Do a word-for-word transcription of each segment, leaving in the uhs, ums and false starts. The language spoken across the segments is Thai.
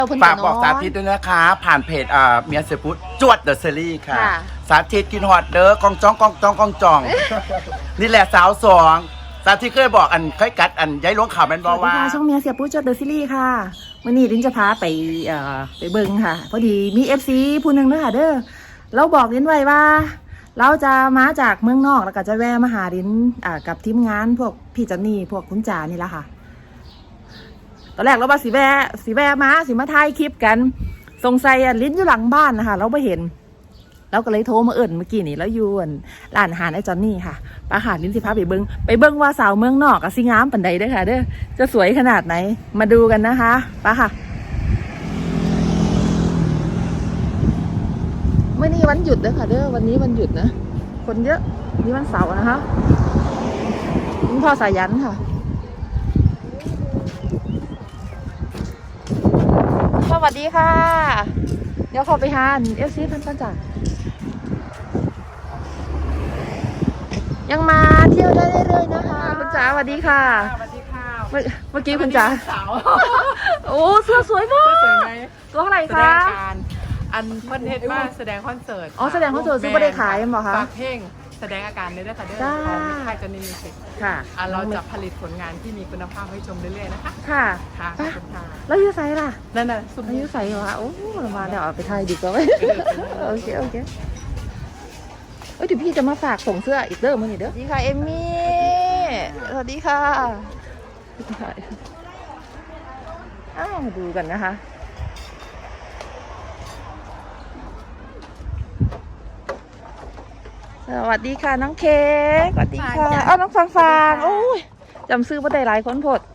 ฝากบอกสาธิตด้วยนะคะผ่านเพจอ่าเมียเสพุทจวดเดอะซีรีส์ค่ะสาธิตกินฮอตเด้อกองจ้องกองจ้องกองจองนี่แหละสาวสองสาธิตเคยบอกอันเคยกัดอันย้ายล้วงข่าวแมนบอกว่าช่องเมียเสียปุ๊จวดเดอะซีรีส์ค่ะวันนี้ลิ้นจะพาไปเอ่อไปเบิ้งค่ะพอดีมีเอฟซีผู้หนึ่งด้วยค่ะเด้อเราบอกลิ้นไว้ว่าเราจะมาจากเมืองนอกแล้วก็จะแวะมาหาลิ้นอ่ากับทีมงานพวกพี่จันนี่พวกคุณจ๋านี่แหละค่ะตอนแรกเราว่าสีแวะสีแวะมาสีมาถ่ายคลิปกันสงสัยลิ้นอยู่หลังบ้านนะคะเราไม่เห็นเราก็เลยโทรมาเอิ่นเมื่อกี้นี่แล้วอยู่ร้านอาหารไอ้จอนนี่ค่ะปลาหาดลิ้นสิพาไปเบิ้งไปเบิ้งว่าสาวเมืองนอกกับสิงามปันใดเด้อค่ะเด้อจะสวยขนาดไหนมาดูกันนะคะปะค่ะเมื่อนี้วันหยุดเด้อค่ะเด้อวันนี้วันหยุดนะคนเยอะนี่วันเสาร์นะคะคุณพ่อสายันค่ะสวัสดีค่ะเดี๋ยวขอไปหาเอฟซีพันปันจ่ายังมาเที่ยวได้เรื่อยๆนะคะคุณจ๋าสวัสดีค่ะสวัสดีค่ะเมื่อกี้คุณจ๋าโอ้เสื้อสวยมากสวยไหมตัวเท่าไหร่คะอันเพิ่นเฮ็ดมาแสดงคอนเสิร์ตอ๋อแสดงคอนเสิร์ตซื้อไม่ได้ขายมั้งเหรอคะฝากเพลงแสดงอาการเลยด้วยค่ะเด้อของค่ายจันนี่มิวสิกค่ะเราจะผลิตผลงานที่มีคุณภาพให้ชมเรื่อยๆนะคะค่ะค่ะขอบคุณค่ะแล้วยูไซล่ะนั่นน่ะสุดยูไซเหรอคะโอ้มาเดี๋ยวเอาไปถ่ายดีกว่าไหมโอเคโอเคเอ้ยเดี๋ยวพี่จะมาฝากส่งเสื้ออีกเด้อมาหนิเด้อสวัสดีค่ะเอมมี่สวัสดีค่ะอ้าวมาดูกันนะคะสวัสดีค่ะน้องเค้กสวัสดีค่ะอ้าวน้องฟางฟางโอ้ยจำซื้อมาได้หลายคนพด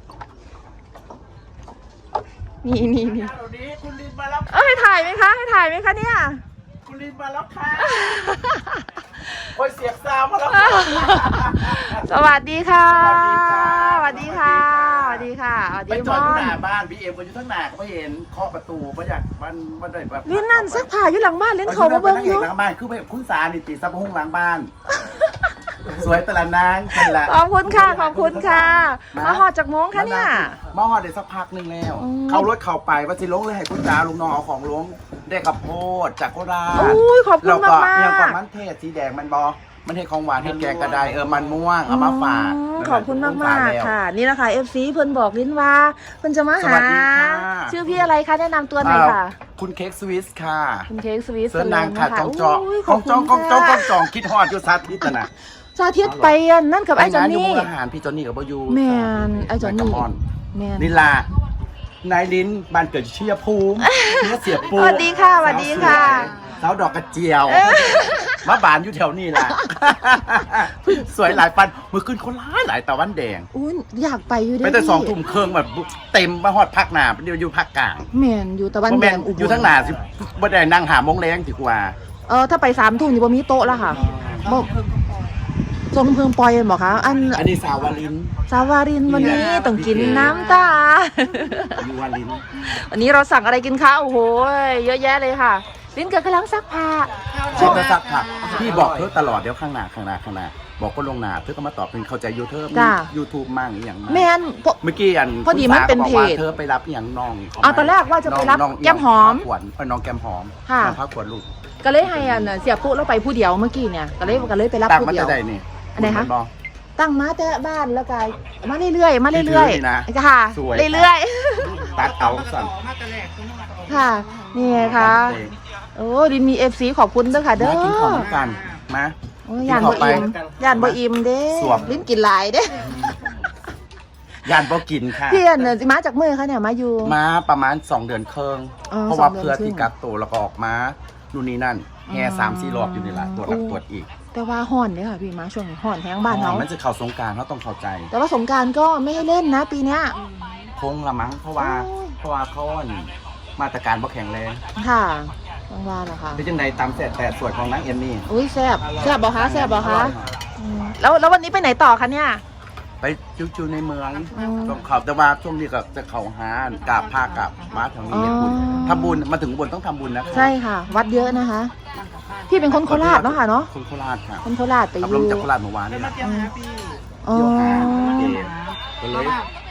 นี่นี่นี่คุณลินมาแล้วเอ้ยถ่ายไหมคะให้ถ่ายไหมคะเนี่ยคุณลินมาแล้วค่ะโอ้ยเสียงซาวมาแล้วสวัสดีค่ะสวัสดีค่ะสวัสดีค่ะสวัสดีมอนไปจอดที่หน้าบ้านพี่เอ็มก็อยู่ทั้งหน้าก็ไม่เห็นเคาะประตูไม่อยากมันมันได้แบบลิ้นนั่นซักผ้าอยู่หลังบ้านลิ้นเขามาเบิ้งอยู่หลังบ้านคือแบบคุณสานี่ติดซับห้องหลังบ้านสวยตละนางเป็นละขอบคุณค่ะขอบคุณค่ะมาหอดจากม้งคะเนี่ยมาหอดได้สักพักนึงแล้วเขารถเข่าไปว่าสิลงเลยให้คุณจ๋าลุงน้องเอาของลงได้กับโพดจากโคราชขอบคุณมากมากยังกับมันเทศสีแดงมันบอมันเทศของหวานเทศแกงกระไดเออมันม่วงเอามาฝากขอบคุณมากมากค่ะนี่แหละค่ะเอฟซีเพิ่นบอกลิ้นว่าเพิ่นจะมาหาชื่อพี่อะไรคะแนะนำตัวหน่อยค่ะคุณเค้กสวิสค่ะคุณเค้กสวิสเสื้อนางค่ะจองจองจองจองจองจองจองจองคิดฮอดอยู่ซาทิตนะซาทิตไปนั่นกับไอ้จอนนี่อาหารพี่จอนนี่กับบยูแมนไอ้จอนนี่แมนนิลานายลิ้นบ้านเกิดเชียภูมิเชียเสียปูสวัสดีค่ะสวัสดีค่ะสาวดอกกระเจียวมาบานอยู่แถวนี้แหละสวยหลายปันมือขึ้นคนร้ายหลายตะวันแดงอุ้ยอยากไปอยู่ด้วยไปแต่สองทุ่มเครื่องแบบเต็มมาฮอดภาคหนาเดียวอยู่ภาคกลางแมนอยู่ตะวันแดงอยู่ทั้งหนาสิบ่ได้นั่งหามงแรงดีกว่าเออถ้าไปสามทุ่มอยู่บ่มีโต๊ะแล้วค่ะบ่ทรงเพิ่งปล่อยบอกคะอันอันนี้สาววาลินสาววาลินวันนี้ต้องกินน้ำตาอยู่วาลินวันนี้เราสั่งอะไรกินคะโอ้โหเยอะแยะเลยค่ะลิ้นเกิดกำลังซักผ้าชอบซักผ้าพี่บอกเธอตลอดเดี๋ยวข้างหน้าข้างหน้าข้างหน้าบอกก็ลงหน้าเธอก็มาตอบเป็นเข้าใจยูทูบยูทูบมั่งอย่างแมนเมื่อกี้อันพอดีมันเป็นเพจเธอไปรับอย่างน้องอ๋อตอนแรกว่าจะไปรับแก้มหอมขวัญน้องแก้มหอมน้องพักขวัญลูกก็เลยให้อันเสียปุ๊แล้วไปผู้เดียวเมื่อกี้เนี่ยก็เลยก็เลยไปรับผู้เดียวอะไรคะตั้งมาแต่บ้านแล้วก็มาเรื่อยๆมาเรื่อยๆค่ะเรื่อยๆตัดเอาสั่นค่ะนี่ไงคะโอ้ดินมีเอฟซีขอบคุณด้วยค่ะเด้อกินของกันมาย่านบ่อิ่มย่านบ่อิ่มเด้ลิ้นกินหลายเด้ย่านบ่กินค่ะพี่อันเนี่ยมาจากเมื่อคะเนี่ยมาอยู่มาประมาณสองเดือนครึ่งเพราะว่าเพื่อที่กักตัวแล้วก็ออกมานู่นนี่นั่นแห่สามสี่รอบอยู่นี่แหละตรวจแล้วตรวจอีกแต่ว่าห่อนเนี่ยค่ะพี่มาช่วงห่อนแห้งบ้านเขามันจะเข้าสงกรานต์เขาต้องเข้าใจแต่ว่าสงกรานต์ก็ไม่ให้เล่นนะปีเนี้ยคงละมั้งเพราะว่าเพราะว่าเขามาตรการบ่แข็งแรงค่ะต้องว่าเหรอคะเป็นจังไดตามแสบแต่สวยของนางเอมมี่อุ้ยแซ่บแซ่บบ่คะแซ่บบ่คะแล้วแล้ววันนี้ไปไหนต่อคะเนี่ยไปจิ้วๆในเมืองต้องเขาแต่ว่าช่วงนี้ก็จะเขาหากราบผ้ากราบมาทางนี้เนี่ยบุญทำบุญมาถึงบนต้องทำบุญนะคะใช่ค่ะวัดเยอะนะคะพี่เป็นคนโคราชเนาะค่ะเนาะคนโคราชค่ะคนโคราชไปอยู่จากโคราชเมื่อวานนี่แหละอ๋อก็เลย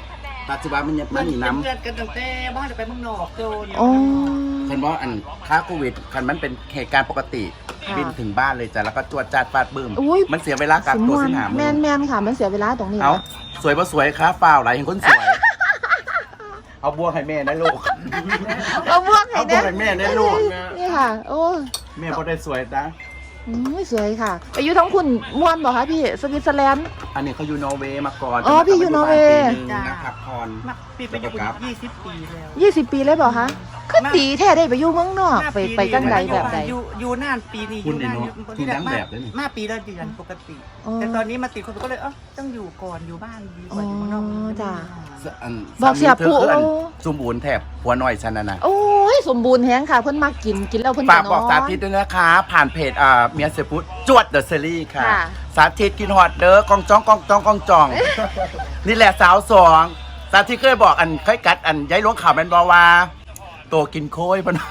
ปัจจุบันมันยังมันหนีน้ำเพื่อนกันตั้งแต่บ้านจะไปเมืองนอกโจนโอ้ฉันว่าอันค่าโควิดคันมันเป็นเหตุการณ์ปกติค่ะบินถึงบ้านเลยจ้ะแล้วก็จวดจาดฟาดบึ้มอุ๊ยมันเสียเวลากักตัวสิบหาแมมื้อนแมนค่ะ มันเสียเวลาตรงนี้เอานะสวยปะสวยค้าเปล่าหลายเห็นคนสวย เอาบัวให้แม่นะลูกเอาบวกให้เอาบัเนี่วย ให้แม่นะลูกนี่ค่ะ โอ้แม่ก็ได้สวยนะอืมสวยค่ะ ไปอยู่ทั้งคุณม่วนบอกคะพี่สวิตเซอร์แลนด์อันนี้เขาอยู่นอร์เวย์มาก่อนอ๋อพี่อยู่นอร์เวย์ปีหนึ่งนะครับพรมาปีไปอยู่ยี่สิบปีแล้วยี่สิบปีเลยบอกคะคือตีแท้ได้ไปอยู่เมืองนอกไปไปจังใดแบบใดอยู่อยู่นานปีนี้อคุณยู่เนี่ยนานเนาะคุณนั่งแบบเลยนี่มาปีละเดือนปกติอ๋อแต่ตอนนี้มาติดโควิดก็เลยเออต้องอยู่ก่อนอยู่บ้านดีกว่าอยู่เมืองนอกอ๋อจ้ะอันบอกเสียปุ๊สามีธอคืออันโอ้ซุ่มบุญแถบหัวหน่อยฉันน่ะนะโอ้ยสมบูรณ์แฮงค่ะ เพิ่นมากินกินแล้วเพิ่นฝากนบอกอนสาธิตด้วยนะคะ ผ่านเพจอ่าเมียเซฟุตจวดเดอะซีรีส์ค่ะค่ะสาธิตกินฮอตเด้อกองจ้องกองจ้องกองจอง นี่แหละสาวสองสาธิตเคยบอกอันเคยกัดอันย้ายล้วงข่าวแมนบอว่าโตกินโค้ยพน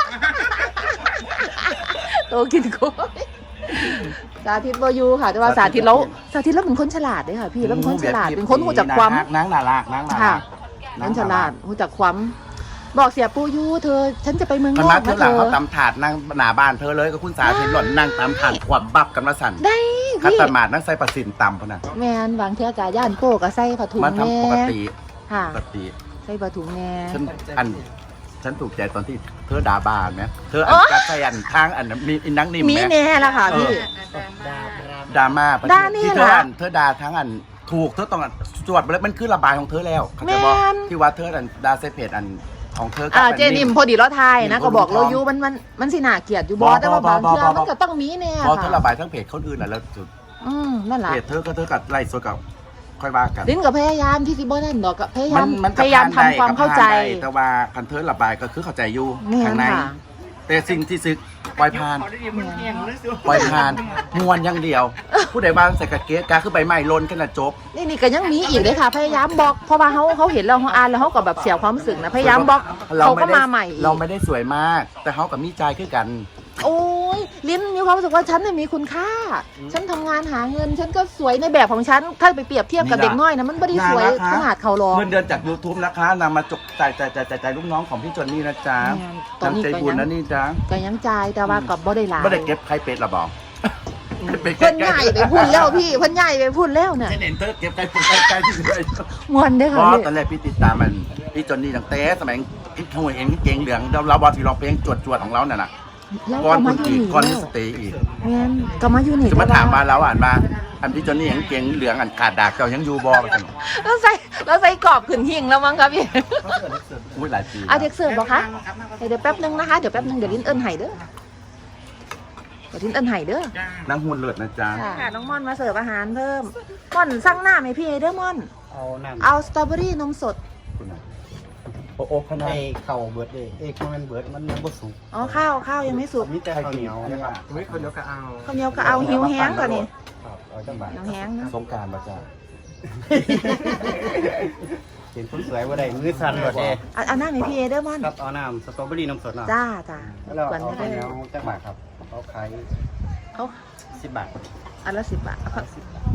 โตกินโค้ยสาธิตบ่อยู่ค่ะ แต่ว่าสาธิตแล้วสาธิตแล้วเป็นคนฉลาดเด้อค่ะ พี่แล้วเป็นคนฉลาดเป็นคนรู้จักความนางนาลากนางนาค่ะลากคนฉลาดรู้จักความ บอกเสียปูยูเธอ ฉันจะไปเมืองนมันอกมาเท่านะหลังเธเขาอตำถาดนั่งหน้าบ้านเธอเลยก็คุณสาธิตหล่อนนั่งตำถาดขวับบับกันมาสั่นได้คัตพี่ตามาดนั่งใส่ประสินตำพนันแมนบางเทื่อกะย่านโก้กะใส่ผ้าถุงมาแน่ทำปกติค่ะปกติใส่ผ้าถุงแน่ฉันอันฉันถูกใจตอนที่เธอด่าบ้านไหมเธออันกัดใส่อันทางอันมีอินนังนิ่มมีไหมแน่ละค่ะพี่ดราม่าด่านี่ที่เธอล่ะอันเธอด่าทั้งอันถูกเธอต้องอันจวดไปแล้วมันคือระบายของเธอแล้วเข้าใจบ่แม่นที่ว่าเธออันด่าเซเพจอันของเธอกับอ่าอันเจนิมพอดีเราทายนะนิ่มก็บอกคนเราท้องอยู่มันมันมันสิน่าเกลียดอยู่บบ่อแต่ว่าบ่บางบ่เทื่อบ่บ่มันก็ต้องมีแน่เพราะเธอระค่ะบายทั้งเพจคนอื่นน่ะแล้วจุดอืมนั่นแหละเพจเธอก็เธอกับไล่สดกับค่อยว่ากันลิ้นกับพยายามที่สิบ่นั่นดอกก็พยายามมันพยายามทำความเข้าใจแต่ว่าคันเธอระบายก็คือเข้าใจอยู่แม่นข้างในค่ะแต่สิ่งที่ซึกปล่อยผ่านเขาได้ยินมันเพียงเลยสิปล่อยผ่านมวนอย่างเดียว ผู้ใดบ้างใส่กระเกะกาคือใบไม้ลนขนาดจบนี่นี่ก็ยังมีอีกเลยค่ะ พยายามบล็อกเพราะว่าเขาเขาเห็นเราเขาอ่านแล้วเขาก็แบบเสียความรู้สึกนะพยายามบล็อกเขาก็มาใหม่อีกเราไม่ได้สวยมาก แต่เขากับมีใจคือกันโอ้ยลิ้นมีความรู้สึกว่าฉันเนี่ยมีคุณค่า ฉันทำงานหาเงิน ฉันก็สวยในแบบของฉัน ถ้าไปเปรียบเทียบกับนี่เด็ล่ะกน้อยนะมันไม่ได้สวยน่ารักขนาดเขาหรอกเงินเดือนจาก YouTube นะคะนำมาจกจ่ายจ่ายจ่ายจ่ายจ่ายลูกน้องของพี่จอนนี่นะจ๊ะแม่นตอนนี้น้ำใจก็บุญยังนะนี่จ๊ะก็ยังจ่ายแต่ว่ากับบ่ได้หลายไม่ได้เก็บใครเป็ดหรอบอกเป็ดเพิ่นใหญ่ไปพูดแล้วพี่เพิ่นใหญ่ไปพูดแล้วเนี่ยเจนเห็นเธอเก็บใครเป็ดใครใครที่ไหนมวนได้อเพค่ะราะพี่ตอนแรกพี่ติดตามมันพี่จอนนี่ตั้งแต่สมัยขโมยเองเก่งเหลืองเราเราบอลที่ร้องเพลงจวดจวดของเราเนี่ยนะแล้วก้อนก็คุมาณอยู่อีกนี่ก้อนแล้ที่วสเตย์อีกแม่นก็มาอยู่นี่จะมาถามมาแล้วอ่านมาอันพี่จอนนี่ยังเก่งเหลืองอันขาดดากเจ้ายังอยู่บอลกันแล้วใส่แล้วใส่กรอบขึ้นหิ่งแล้วมั้งครับพี่อุ้ยหลายปีเอาเด็กเสิร์ฟบอกคะเดี๋ยวแป๊บนึงนะคะเดี๋ยวแป๊บนึงเดี๋ยวลิ้นเอิ้นไห้เด้อเดี๋ยวลิ้นเอิ้นไห้เด้อนั่งหุ่นเลือดนะจ๊ะค่ะน้องม่อนมาเสิร์ฟอาหารเพิ่มม่อนสั่งหน้าไหมพี่เด้อม่อนเอาน้ำเอาสตรอเบอรี่นมสดโอ้โอ้ขนาดไอ้เข่าเบิดเลยเอ้ข้าวมันเบิดมันยังบ่สุกอ๋อข้าวข้าวยังไม่สุกมีแต่ข้าวเหนียวนะครับไม่คนเดียวก็เอาข้าวเหนียวก็เอาหิวแห้งกว่านี่ครับเอาจังบาทหิวแห้งนะสงกรารมาจ้ะเห็นคนสวยว่าได้มือสั่นหมดเลยเอาเอาหน้าไหมพี่เด้อม่อนครับเอาน้ำสตรอเบอรี่น้ำสดเนาะจ้าจ้าแล้วก่อนเอาก็ข้าวได้เหนียวจังบาทครับเอาขายเอาสิบบาทอันละสิบบาทเอาครับ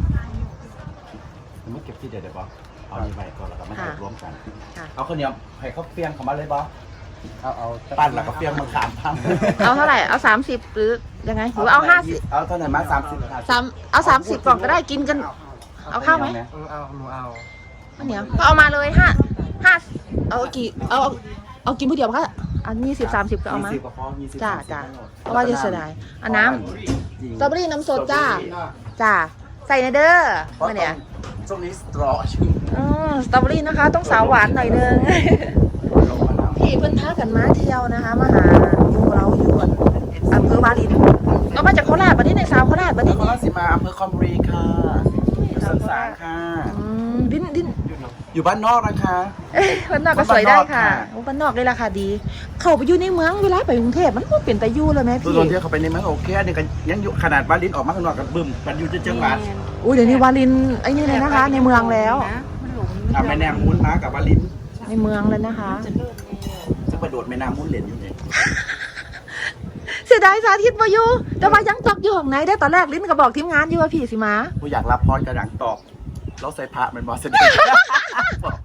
ผมไม่เก็บที่เดียวเดี๋ยวบอเอานี่ไปก่อนแล้วก็มาเก็บรวมกันค่ะเอาข้าวเหนียวให้เขาเฟียงเขามาเลยบอเอาเอาปั้นแล้วก็เฟียงมาขามพังเอาเท่าไหร่เอาสามสิบหรือยังไงหรือว่าเอาห้าสิบเอาเท่าไหร่มาสามสิบสามเอาสามสิบกล่องก็ได้กินกัน เอาข้าวไหมเออเอาหนูเอาข้าวเหนียวก็เอามาเลยห้าห้าเอากี่เอาเอาเอากินผู้เดียวค่ะอันนี้สิบสามสิบก็เอามายี่สิบก็พอยี่สิบจ้าสมสิบจ้าก็หมดเพราะว่าจะเสียดายอันน้จริงำสตรอเบอรี่น้ำสดจ้า จ้า ใส่ในเด้อเพราะมาเนี่ยช่วงนี้สตรอชื่ออืมสตรอเบอรี่นะคะ ต้องสาวหวานหน่อยนึงลงมาแล้วพี่เพิ่นพากันมาเที่ยวนะคะมาหาหมู่เราอยู่อั่นอำเภอวารินเรามาจากโคราชบัดนี้ในสาวโคราชบัดนี้นครราชสีมาอำเภอคอมบุรีค่ะอยู่สันสางค่ะอืมดินดินอยู่บ้านนอกนะคะเอ้ยบ้านนอกก็สวยได้ค่ะบ้านนอกค่ะโอ้บ้านนอกเลยราคาดี เข้าไปอยู่ในเมืองเวลาไปกรุงเทพมันก็เปลี่ยนแต่อยู่เลยไหมตัวพี่ตนที่เขาไปในเมืองโอเคอันนี้ก็ยังอยู่ขนาดบ้านลิ้นออกมาข้างนอกกับบึ้มมันอยู่จังหวัดอุ้ยเดี๋ยวนี้วารินไอ้นี่เลยนะคะ ในเมืองแล้วมันหลงอ่ะแม่แนมมุ้นมากับบ้านลิ้นในเมืองเลยนะคะจะกระโดดแม่น้ำมุ้นเหรียญอยู่เนี่ยเสียดายสาธิตมาอยู่แต่ว่ายังจอกอยู่ของไหนได้ตอนแรกลิ้นก็บอกทีมงานอยู่ว่าพี่สิมากูอยากรับพรกระดังตอบเราใส่พระมันบอสเสด็จบอก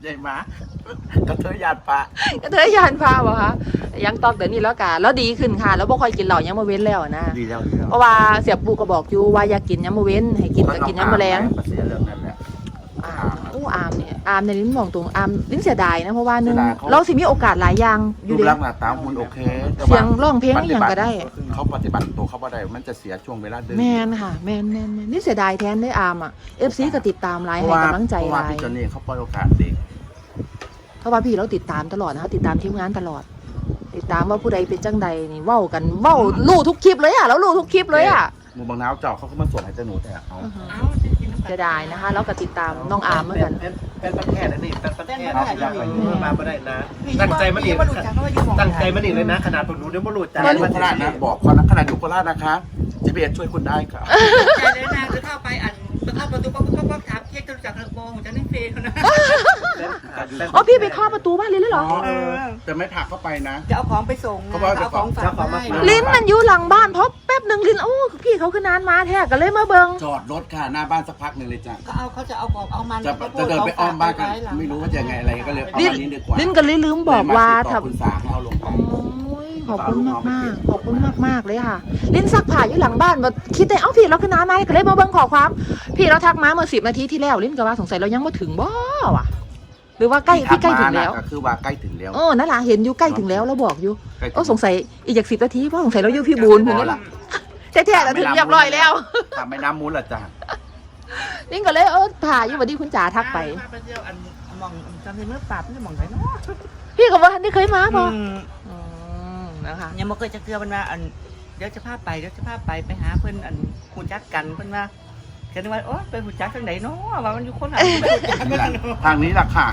ใหญ่มากกระเทยหยาดปลาก็เธอยานพาบ่คะยังตอกเดี๋ยวนี้แล้วกันแล้วดีขึ้นค่ะ แล้วบ่ค่อยกินเหล้ายังมาเว้นแล้วนะดีแล้วดีแล้วเพราะว่าเสียปูก็บอกอยู่ว่าอย่ากินยามมื้อเว้นให้กินก็กินยามมื้อแลงเสียเรื่องนั้นแหละอ่าอู้อามเนี่ยอามในลิ้นมองตรงอามลิ้นเสียดายนะเพราะว่าหนึงเสียดายเขาเราสิมีโอกาสหลายอย่างอรูยู่ปเด้ร่างหน้าตาหุ่นโอเคแต่ว่าเสียงร้องเพลงอหย่างก็ได้เขาปฏิบัติตัวเขาบ่ได้มันจะเสียช่วงเวลาเดินแม่นค่ะแม่นแม่นแม่นนี่เสียดายแทนได้อามอ่ะ เอฟ ซี ก็ติดตามหลายเพให้ราะว่ากำลังใจเพราะหว่าลายพี่จอนนี่เขาปล่อยโอกาสเด็กเพราะว่าพี่เราติดตามตลอดนะคะติดตามทีมงานตลอด ติดตามว่าผู้ใดเป็นจังใดนี่เว้ากันเว้าลู่ทุกคลิปเลยอ่ะแล้วลู่ทุกคลิปเลยอ่ะหมูบางน้าวเจาะเขาก็มาสวดให้เจ้าหนูแต่เอาเสียดายนะคะแล้วก็ติดตามน้องอามเหมือนกันเป็นประเทศนั่นนี่เป็นประเทศครับอยากไปมาไม่ได้นะตั้งใจมันอีกตั้งใจมันอีกเลยนะขนาดผมรู้เดี๋ยวมันหลุดขนาดอยู่โคราชนะบอกเขานะขนาดอยู่โคราชนะคะ จี พี เอส ช่วยคุณได้ค่ะใจเลยนางจะเข้าไปอันจะเข้าประตูป๊อกป๊อกป๊อกถามเช็คจะรู้จักระบบของจะนั่งเฟรนนะอ๋อพี่ไปเคาะประตูบ้านลิ้นเลยเหรอเออแต่ไม่ผลักเข้าไปนะจะเอาของไปส่งเขาบอกว่าเอาของฝากมาให้ลิ้นมันอยู่หลังบ้านเพราะแป๊บหนึ่งลิ้นโอ้พี่เขาคือนานมาแท้ก็เลยมาเบิงจอดรถค่ะหน้าบ้านสักพักหนึ่งเลยจ้ะก็เอาเขาจะเอาของเอามันจะจะเดินไปอ้อมบ้านกันไม่รู้ว่าจะยังไงอะไรก็เลยเอาลิ้นวันนี้ดีกว่าลิ้นก็เลยลืมบอกว่าเลยมติดต่ถ้าอคุณสาให้เอาลงไปโอ้ยขอบคุณมากมากๆขอบคุณมากมากๆเลยค่ะ ลิ้นซักผ้าอยู่หลังบ้านว่าคิดได้เอ้าพี่เราคือนานมาก็เลยมาเบิ่งขอความ พี่เราทักมาเมื่อสิบนาทีที่แล้วลิ้นก็ว่าสงสัยเรายังไม่ถึงบ่วะหรือว่าใกล้พี่ใกล้ถึงแล้วก็คือว่าใกล้ถึงแล้วเออนั่นแหละเห็นอยู่ใกล้ถึงแล้วเราบอกอยู่ใกล้ถึงโอ้สงสัยอีกจากสิบนาทีเพราะสงสัยเราอยู่พี่บูนถึงนี่ละแท้ๆแล้วถึงเรียบร้อยแล้วทำไม่น้ำมูลละจ้ะลิ้นก็เลยเออผ่าอยู่วันที่คุณจ๋าทักไปไปเที่ยวอันมองจำได้เมื่อปราบนี่มองไหนเนาะพี่ก็ว่าทันได้เคยมาพออืมอืมนะคะยังไม่เคยจะเกลือมันว่าอันเดี๋ยวจะพาไปเดี๋ยวจะพาไปไปหาเพื่อนอันหูจักกันเพื่อนว่าเห็นว่าโอ๊ยไปหูจักทางไหนเนาะว่ามันอยู่คนละไปหูจักกันทางนี้ล่ะค่ะ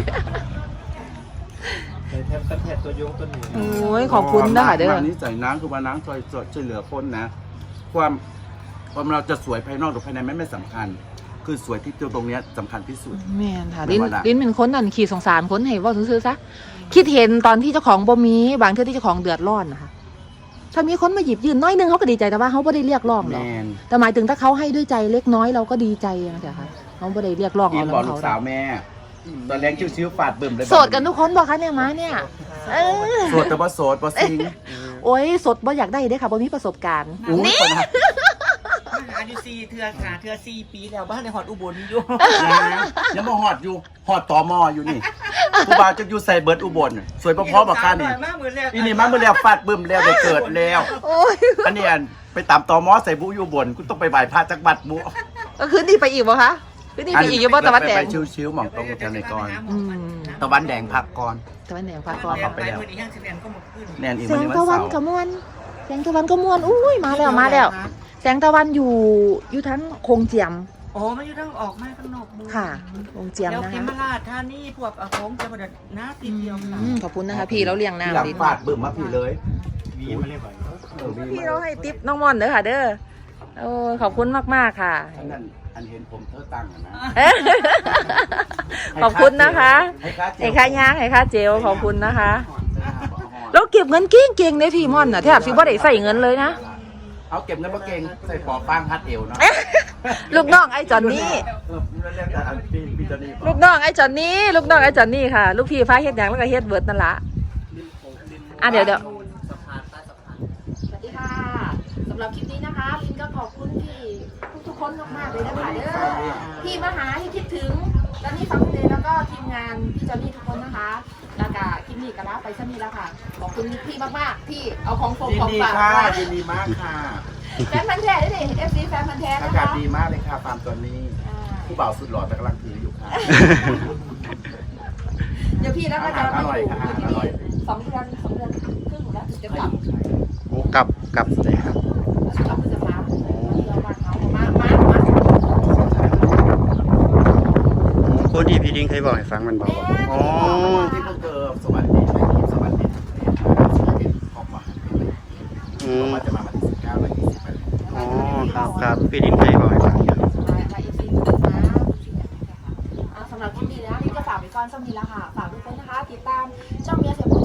ในแทบประเทศตัวยงตัวนี้โอ้ยขอบคุณนะคะเด้อทางนี้ใจน้ำคือว่าน้ำช่วยช่วยเหลือคนนะ ความความเราจะสวยภายนอกหรือภายในไม่ไม่สำคัญ คือสวยที่ตัวตรงเนี้ยสำคัญที่สุดแม่นค่ะไม่ลิ้นว่าละลิ้นเป็นคนนั่นขี่สงสารคนให้เว่าซื่อๆซะคิดเห็นตอนที่เจ้าของบ่มีบางเทื่อที่เจ้าของเดือดร้อนนะคะถ้ามีคนมาหยิบยืนน้อยหนึงเขาก็ดีใจแต่ว่าเขาไม่ได้เรียกร้องหรแมอกนแต่หมายถึงถ้าเขาให้ด้วยใจเล็กน้อยเราก็ดีใจนะจ๊ะค่ะเขาไม่ได้เรียกร้องอิเอานแล้วบอกลูเขากสาวแม่ตอนแรกชิวๆฝาดบึ้มเลยโสดกันทุกคนบอกคะเนี่ยมาเนี่ยเออโสดแต่ว่าโสดว่าซิงโอ้ยสดบ่อยากได้เด้อค่ะบ่มีประสบการณ์อุ้ยคนนะอายุซีเทือขาเทือซีปีแล้วบ้านในหอดอุบลอยู่ยังมาหอดอยู่หอดต่อมออยู่นี่ผู้บ่าวจะอยู่ใส่เบิร์ดอุบลสวยพอๆบอกกันนี่มากเหมือนแล้วอีนี่มาเมื่อแล้วฟาดบึ้มแล้วได้เกิดแล้วโอ้ยอันนี้อันไปตามต่อมอใส่บุอยู่บนกูต้องไปไหว้พระจักบัดบุก็คืนนี้ไปอีกบ่คะคืนนี้ไปอีกอยู่บ่ตะวันแดงไปชิวๆหมองตรงแถวในก่อนอืมตะวันแดงพักก่อนตะวันแดงพาก่ก่ออน นเข้าไปแล้วอีกอย่างสิบเอ็ดก็หมดขึ้นแนนอีกแสวันงนี้วันตะวันเสาร์กระมวลแสงตะวันกระมวลอุ้ยมาแล้วมาแล้ว แสงตะวันอยู่อยู่ทั้งโคงเจียมโอ้มันอยู่ทั้งออกมาข้างนอกมือค่ะโคงเจียมแล้วนะเขคะมราชท่านี่พวกอาโคงจะมาเดินหน้าตีเดียวค่ะอืมขอบคุณนะคะพี่เราเลี้ยงที่หลังน้ำดิฟาดบึ้มมาพี่เลยวีมาเรียกว่าเออมีพี่มาเราให้ติ๊บน้องมอนเด้อค่ะเด้อโอ้ยขอบคุณมากๆค่ะอันนั้นอันเห็นผมเธอตั้งอะนะขอบคุณนะคะให้ค่าเจลไอ้ค่าย่างไอ้ค่าเจลขอบคุณนะคะแล้วเก็บเงินเก่งเก่งๆในพี่มอนน่ะแทบสิบ่ได้ใส่เงินเลยนะเอาเก็บเงินมาเก่งใส่ปอฟางฮัดเอวเนาะลูกน้องไอ้จอนนี่เออเรียกแต่อันพี่พี่เจานี่ลูกน้องไอ้จอนนี่ลูกน้องไอ้จอนนี่ค่ะ ลูกพี่ฟ้าเฮ็ดหยังแล้วก็เฮ็ดเบิดนั่นละอ่ะเดี๋ยวเดี๋ยวสวัสดีค่ะสำหรับคลิปนี้นะคะลินก็ขอบคุณพี่ทุกๆคนมากๆเลยนะคะเด้อที่มาหาที่คิดถึงและนี่ฟังเพลงแล้วก็ทีมงานพี่จอนนี่ทุกคนนะคะแล้วก็คลิปนี้ก็ลาไปซะนี้แล้วค่ะขอบคุณพี่มากๆที่เอาของฝากยินของดีฝากค่ะมายินดีมากค่ะแฟนพันธุ์แท้ด้วยนี่เอฟซีแฟนพันธุ์แท้อานะกาศคะดีมากเลยค่ะฟาร์มตัวนี้อ่าผู้บ่าวสุดหล่อแต่กำลังถืออยู่ค่ะเดี๋ยวพี่แล้วก็จะมาอร่อยค่ะอยู่ที่อร่อยนี่สองเดือนสองเดือนครึ่งแล้วถึงจะกลับโอ้กลับกลับเลยครับกลับพฤษภาคมเราบ้านเขามามามาคนที่พี่ดิ้งเคยบอกให้ฟังมันบอกว่าอ๋อที่เพิ่งเกิดสวัสดีในทีมสวัสดีออกมาอืออกมมาจะมาวันที่สิบเก้าและยี่สิบแปดอ๋อครับครับพี่ดิ้งเคยบอกให้ฟังอยู่มามาอีกทีนึงนะอ่าสำหรับคลิปนี้นะนี่ก็ฝากไปก่อนสำหรับนี้แล้วค่ะ ฝากทุกคนนะคะ ติดตามช่องเมียเสียบุญ